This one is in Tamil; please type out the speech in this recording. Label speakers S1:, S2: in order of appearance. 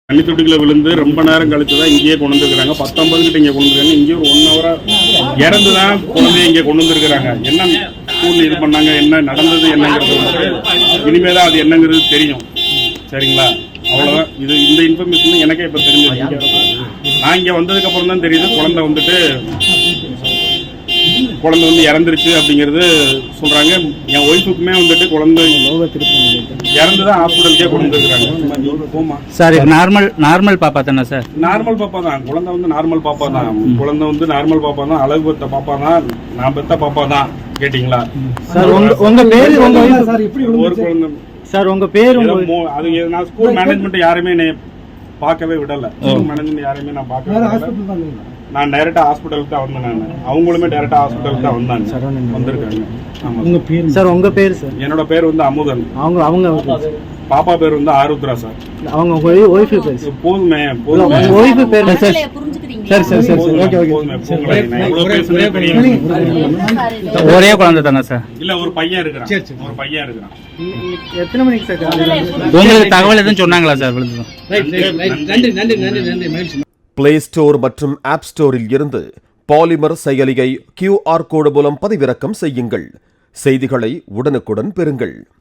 S1: தண்ணி தொட்டிக்குள்ள விழுந்து ரொம்ப நேரம் கழிச்சு தான் இங்கேயே கொண்டு வந்துருக்காங்க. 19 கிட்ட இங்கே கொண்டு வந்துருக்காங்க. இங்கே ஒரு 1 ஹவரா இறந்து தான் குழந்தைய இங்கே கொண்டு வந்துருக்காங்க. என்ன ஸ்கூல்ல இது பண்ணாங்க, என்ன நடந்தது என்னங்கிறது இனிமே தான் அது என்னங்கிறது தெரியும். சரிங்களா? அவ்வளோதான். இது இந்த இன்ஃபர்மேஷன் எனக்கே இப்போ தெரிஞ்சிருக்கு. நான் இங்கே வந்ததுக்கு அப்புறம் தான் தெரியுது குழந்தை வந்து இறந்துருச்சு அப்படிங்கிறது சொல்றாங்க. என் ஒய்ஃபுக்குமே வந்துட்டு குழந்தை இறந்துதான் ஹாஸ்பிட்டலுக்கே கொண்டு வந்துருக்காங்க.
S2: சார் நார்மல் பாப்பா தானே சார்?
S1: நார்மல் பாப்பா தான். குழந்தை வந்து நார்மல் பாப்பா தான். குழந்தை வந்து நார்மல் பாப்பா தான். அழகு பெத்த பாப்பா தான். நான் பெத்த பாப்பா தான். கேட்டீங்களா?
S2: சார் உங்க பேரு
S1: ஒரு குழந்தை
S2: சார், உங்க பேரு
S1: அது நான் ஸ்கூல் மேனேஜ்மெண்ட் யாருமே பார்க்கவே விடல. ஸ்கூல் மேனேஜ்மெண்ட் யாரையுமே நான் பார்க்கவே விடல. நான் டைரக்டா ஹாஸ்பிட்டலுக்கு தான் வந்தேன். நான் அவங்களுமே டைரக்டா ஹாஸ்பிட்டலுக்கு தான் வந்திருக்காங்க. ஆமா
S2: சார். உங்க பேர் சார்?
S1: என்னோட பேர் வந்து அமுதன்.
S2: அவங்க
S1: பாப்பா பேர் வந்து ஆருத்ரா சார்.
S2: அவங்க ஒய்ஃப் பேர்
S1: போதுமே.
S2: ஒய்ஃப் பேர் சார். சரி சரி சரி ஓகே ஓகே. ஒரே குழந்தை தானே சார்?
S1: இல்ல ஒரு பையன் இருக்கிறான். ஒரு பையன் இருக்கிறான்.
S2: எத்தனை மணிக்கு சார்? உங்களுக்கு தகவல் எதுவும் சொன்னாங்களா சார்?
S3: நன்றி. பிளே ஸ்டோர் மற்றும் ஆப் ஸ்டோரில் இருந்து பாலிமர் செயலியை QR கோடு மூலம் பதிவிறக்கம் செய்யுங்கள். செய்திகளை உடனுக்குடன் பெறுங்கள்.